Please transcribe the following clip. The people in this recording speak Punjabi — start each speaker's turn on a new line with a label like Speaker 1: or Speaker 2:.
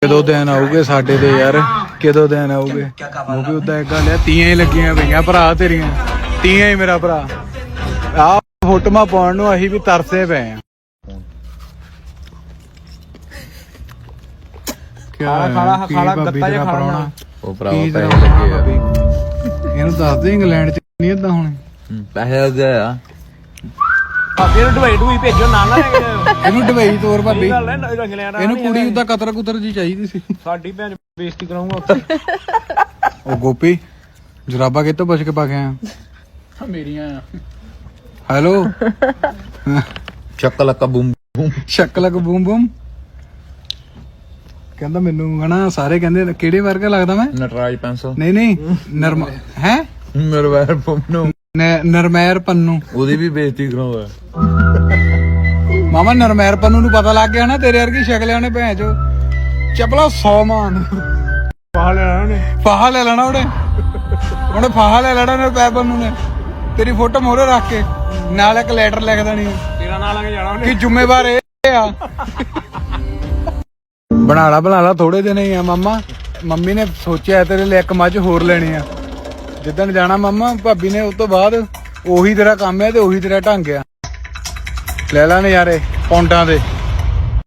Speaker 1: ਕਦੋਂ ਦਿਨ ਆਉਗੇ ਸਾਡੇ ਤੇ ਯਾਰ, ਕਦੋਂ ਦਿਨ ਆਉਗੇ। ਉਹ ਵੀ ਉਦਾਂ ਇੱਕ ਗੱਲ ਆ, ਤੀਆਂ ਹੀ ਲੱਗੀਆਂ ਪਈਆਂ ਭਰਾ ਤੇਰੀਆਂ, ਤੀਆਂ ਹੀ ਮੇਰਾ ਭਰਾ। ਆਹ ਫੋਟੋਆਂ ਪਾਉਣ ਨੂੰ ਅਸੀਂ ਵੀ ਤਰਸੇ ਪਏ ਆ।
Speaker 2: ਖਾਲਾ ਗੱਤਾ ਜਿਹਾ ਖਾਣਾ।
Speaker 3: ਉਹ ਭਰਾਵਾ ਪੈਸੇ ਲੱਗੇ ਆ।
Speaker 1: ਇਹਨੂੰ ਦੱਸ ਦੇ ਇੰਗਲੈਂਡ ਚ ਨਹੀਂ ਏਦਾਂ ਹੋਣੇ।
Speaker 3: ਪੈਸੇ ਲੱਗੇ ਆ।
Speaker 2: ਭਾਬੀ ਨੂੰ ਢਵਾਈ ਭੇਜੋ ਨਾਲ ਨਾ ਲੈ ਕੇ।
Speaker 1: ਇਹਨੂੰ ਡਬਈ ਤੋਰ ਭਾਬੀ,
Speaker 2: ਗੱਲ ਹੈ ਇੰਗਲੈਂਡ
Speaker 1: ਇਹਨੂੰ ਕੁੜੀ ਉਦਾਂ ਕਤਰ ਕੁਤਰ ਜੀ ਚਾਹੀਦੀ ਸੀ।
Speaker 2: ਸਾਡੀ ਭੈਣ ਬੇਇੱਜ਼ਤੀ ਕਰਾਉਂਗਾ ਉੱਥੇ।
Speaker 1: ਉਹ ਗੋਪੀ ਜਰਾਬਾ ਕਿੱਥੋਂ ਪੁੱਛ ਕੇ ਪਾ ਕੇ ਆਇਆ?
Speaker 2: ਮੇਰੀਆਂ
Speaker 1: ਹੈਲੋ
Speaker 3: ਚੱਕ ਲੱਕਾ ਬੂਮ ਬੂਮ।
Speaker 1: ਸ਼ਕਲਕ ਬੂਮ ਬੂਮ ਕਹਿੰਦਾ ਮੈਨੂੰ ਹਨਾ, ਸਾਰੇ ਕਹਿੰਦੇ ਕਿਹੜੇ ਵਰਗਾ ਲੱਗਦਾ ਮੈਂ।
Speaker 3: ਨਟਰਾਜ ਪੈਨਸਲ
Speaker 1: ਨਹੀਂ ਨਰਮ ਹੈ
Speaker 3: ਮੇਰੇ ਵਾਰ ਨੂੰ
Speaker 1: ਨਰਮੈਰ ਪੰਨੂ।
Speaker 3: ਉਹਦੀ ਵੀ ਬੇਇੱਜ਼ਤੀ ਕਰਾਉਂਦਾ।
Speaker 1: ਮਾਮਾ ਨਰਮੈਰ ਪੰਨੂ ਨੂੰ ਪਤਾ ਲੱਗ ਗਿਆ ਨਾ ਤੇਰੇ ਵਰਗੀ ਸ਼ਕਲ ਆ, ਉਹਨੇ ਭੈਣ ਚੋ ਚਪਲਾ 100 ਮਾਨ
Speaker 2: ਪਾ ਲੈਣਾ ਉਹਨੇ।
Speaker 1: ਫਾਹਾ ਲੈ ਲੈਣਾ ਉਹਨੇ ਫਾਹਾ ਲੈ ਲੈਣਾ ਨਰਮੈਰ ਪੰਨੂ ਨੇ। ਤੇਰੀ ਫੋਟੋ ਮੋਹਰੇ ਰੱਖ ਕੇ ਨਾਲ ਇੱਕ ਲੈਟਰ ਲਿਖ ਦੇਣੀ
Speaker 2: ਤੇਰਾ ਨਾਂ ਲੱਗ ਜਾਣਾ ਉਹਨੇ
Speaker 1: ਕਿ ਜ਼ਿੰਮੇਵਾਰ ਇਹ ਆ। ਬਣਾ ਲਾ ਥੋੜੇ ਦਿਨ ਹੀ ਆ ਮਾਮਾ। ਮੰਮੀ ਨੇ ਸੋਚਿਆ ਤੇਰੇ ਲਈ ਇੱਕ ਮੱਝ ਹੋਰ ਲੈਣੀ ਆ। ਜਿੱਦਣ ਜਾਣਾ ਮਾਮਾ ਭਾਬੀ ਨੇ, ਉਸ ਤੋਂ ਬਾਅਦ ਉਹੀ ਤੇਰਾ ਕੰਮ ਹੈ ਤੇ ਉਹੀ ਤੇਰਾ ਢੰਗ ਆ। ਲੈ ਲੈ ਨਜ਼ਾਰੇ ਪੌਂਡਾਂ ਦੇ।